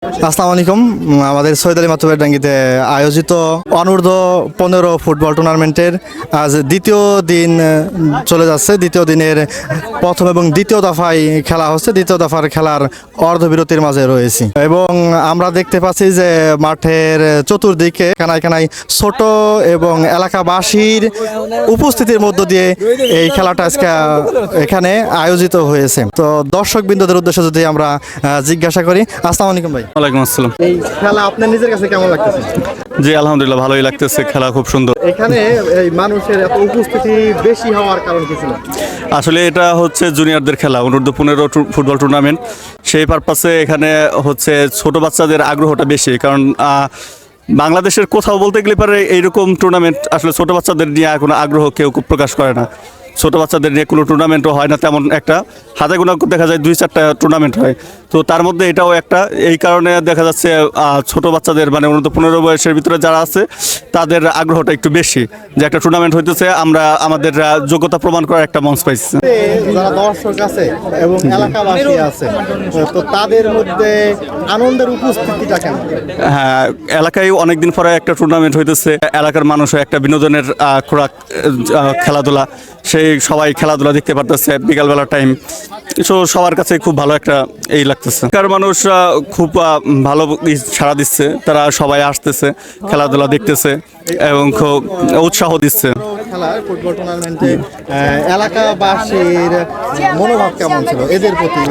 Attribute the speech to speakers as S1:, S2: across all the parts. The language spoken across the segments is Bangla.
S1: আসসালামু আলাইকুম। আমাদের সৈয়দ আলী মাতুব্বরডাঙ্গিতে আয়োজিত অনূর্ধ্ব 15 ফুটবল টুর্নামেন্টের আজ দ্বিতীয় দিন চলে যাচ্ছে। দ্বিতীয় দিনের প্রথম এবং দ্বিতীয় দফায় খেলা হচ্ছে। দ্বিতীয় দফার খেলার অর্ধবিরতির মাঝে রয়েছি এবং আমরা দেখতে পাচ্ছি যে মাঠের চতুর্দিকে কানায় কানায় ছোট এবং এলাকাবাসীর উপস্থিতির মধ্য দিয়ে এই খেলাটা আজকে এখানে আয়োজিত হয়েছে। তো দর্শক বিন্দুদের উদ্দেশ্যে যদি আমরা জিজ্ঞাসা করি, আসসালামু আলাইকুম ভাই।
S2: ওয়ালাইকুম আসসালাম।
S1: এই খেলা আপনার নিজের কাছে কেমন লাগতেছে?
S2: জি আলহামদুলিল্লাহ ভালোই লাগতেছে, খেলা খুব সুন্দর।
S1: এখানে এই মানুষের এত উপস্থিতি বেশি হওয়ার কারণ কি ছিল?
S2: আসলে এটা হচ্ছে জুনিয়রদের খেলা, অনূর্ধ্ব 15 ফুটবল টুর্নামেন্ট। সেই পারপাসে এখানে হচ্ছে ছোট বাচ্চাদের আগ্রহটা বেশি, কারণ বাংলাদেশের কোথাও বলতে গেলে পারে এইরকম টুর্নামেন্ট আসলে ছোট বাচ্চাদের নিয়ে কোনো আগ্রহ কেউ প্রকাশ করে না। ছোট বাচ্চাদের নিয়ে কোনো টুর্নামেন্টও হয় না তেমন একটা, হাতে গোনা দেখা যায় 2-4টা টুর্নামেন্ট হয়। তো তার মধ্যে এটাও একটা, এই কারণে দেখা যাচ্ছে ছোট বাচ্চাদের মানে অনূর্ধ্ব 15 বয়সের ভিতরে যারা আছে তাদের আগ্রহটা একটু বেশি, যে একটা টুর্নামেন্ট হইতেছে, আমরা আমাদের যোগ্যতা প্রমাণ করার একটা মঞ্চ পাইছি।
S1: যারা দর্শক আছে এবং এলাকাবাসী আছে, তো তাদের মধ্যে আনন্দের উপস্থিতিটা কেমন?
S2: হ্যাঁ, এলাকায় অনেকদিন পরে একটা টুর্নামেন্ট হইতেছে, এলাকার মানুষও একটা বিনোদনের খোরাক খেলাধুলা, সেই সবাই খেলাধুলা দেখতে পারতেছে বিকালবেলার টাইম। সো সবার কাছে খুব ভালো একটা এই লাগতেছে। এলাকার মানুষ খুব ভালো সাড়া দিচ্ছে, তারা সবাই আসতেছে, খেলাধুলা দেখতেছে এবং খুব উৎসাহ দিচ্ছে।
S1: ফুটবল টুর্নামেন্টে এলাকাবাসীর মনোভাব কেমন ছিল এদের প্রতি?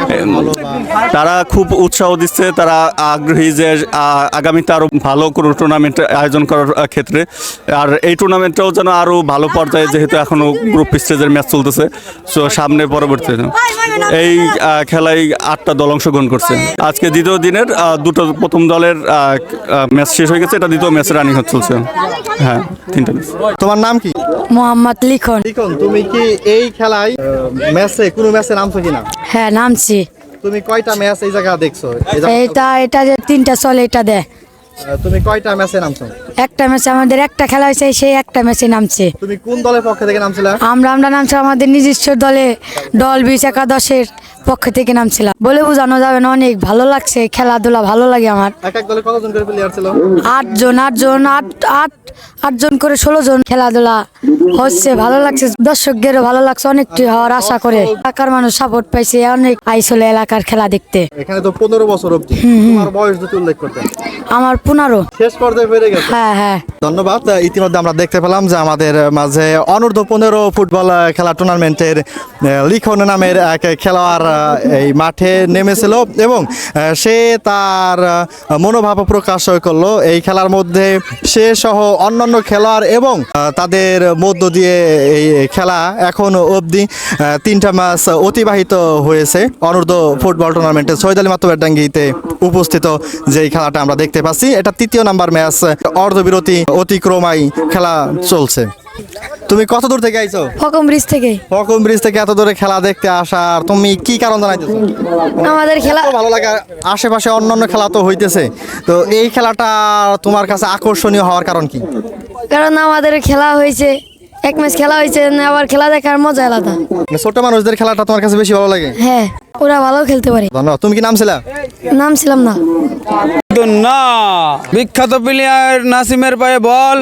S2: তারা খুব উৎসাহ দিচ্ছে, তারা আগ্রহী যে আগামীতে আরও ভালো কোনো টুর্নামেন্ট আয়োজন করার ক্ষেত্রে। আর এই টুর্নামেন্টটাও যেন আরও ভালো পর্যায়ে, যেহেতু এখনও গ্রুপ স্টেজের ম্যাচ চলতেছে, সো সামনে পরবর্তীতে এই খেলায় 8টা দল অংশগ্রহণ করছে। আজকে দ্বিতীয় দিনের প্রথম দলের ম্যাচ শেষ হয়ে গেছে, এটা দ্বিতীয় ম্যাচে রানিং চলছে। হ্যাঁ, 3টা ম্যাচ।
S1: তোমার নাম কি?
S3: মোহাম্মদ লিখন।
S1: লিখন, তুমি কি এই খেলায় কোনো ম্যাচে নামছো কিনা?
S3: হ্যাঁ, নামছি।
S1: তুমি কয়টা ম্যাচ এই জায়গা দেখছো?
S3: এটা যে 3টা চলে এটা দে।
S1: তুমি কয়টা ম্যাচে নামছো?
S3: একটা ম্যাচে আমাদের একটা খেলা হয়েছে, সেই একটা ম্যাচে নামছে।
S1: তুমি কোন দলের পক্ষ থেকে নামছিলা?
S3: আমরা নামছি আমাদের নিজস্ব দল 20 একাদশের পক্ষ থেকে নামছিলাম। বলে বোঝানো যাবে না, অনেক ভালো লাগছে, খেলাধুলা ভালো লাগে আমার।
S1: এক দলে কতজন করে প্লেয়ার ছিল?
S3: 8জন করে 16 জন। খেলাধুলা হচ্ছে, ভালো লাগছে, দর্শকদেরও ভালো লাগছে, অনেকটি হওয়ার আশা করে। এলাকার মানুষ সাপোর্ট পাইছে, অনেক আইসলে এলাকার খেলা দেখতে।
S1: এখানে তো 15 বছর অবধি। তোমার বয়স যদি উল্লেখ করতেন।
S3: আমার 15।
S1: শেষ পর্যায়ে পেরে গেছে।
S3: হ্যাঁ হ্যাঁ,
S1: ধন্যবাদ। ইতিমধ্যে আমরা দেখতে পেলাম যে আমাদের মাঝে অনূর্ধ্ব 15 ফুটবল খেলা টুর্নামেন্টের লিখন নামের এক খেলোয়াড় এই মাঠে নেমেছিল এবং সে তার মনোভাব প্রকাশ করলো এই খেলার মধ্যে। সে সহ অন্যান্য খেলোয়াড় এবং তাদের মধ্য দিয়ে এই খেলা এখন অবধি 3টা ম্যাচ অতিবাহিত হয়েছে। অনূর্ধ্ব ফুটবল টুর্নামেন্টে সৈয়দ আলী মাতুব্বরডাঙ্গিতে উপস্থিত যে খেলাটা আমরা দেখতে পাচ্ছি, এটা 3য় নাম্বার ম্যাচ। অর্ধবিরতি অতিক্রমাই খেলা চলছে। তুমি কত দূর থেকে আইছো?
S3: ফকম ব্রিজ থেকে।
S1: ফকম ব্রিজ থেকে এত দূরে খেলা দেখতে আসার তুমি কি কারণ জানাইতেছো?
S3: আমাদের খেলা
S1: ভালো লাগে, আশেপাশে অন্যান্য খেলা তো হইতেছে, তো এই খেলাটা তোমার কাছে আকর্ষণীয় হওয়ার কারণ কি?
S3: কারণ আমাদের খেলা হয়েছে, এক ম্যাচ খেলা হয়েছে, আবার খেলা দেখার মজা আলাদা।
S1: ছোট মানুষদের খেলাটা তোমার কাছে বেশি ভালো লাগে?
S3: হ্যাঁ, ওরা ভালো খেলতে পারে।
S1: ধন্যবাদ। তুমি কি নামছিলা?
S3: নামছিলাম না।
S4: না, বিখ্যাত প্লেয়ার নাসিমের পায়ে বল,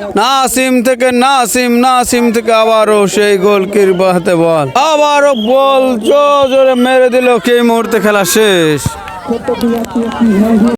S4: নাসিম থেকে আবারও সেই গোলকির হাতে বল, আবারও বল জোরে মেরে দিল। এই মুহূর্তে খেলা শেষ।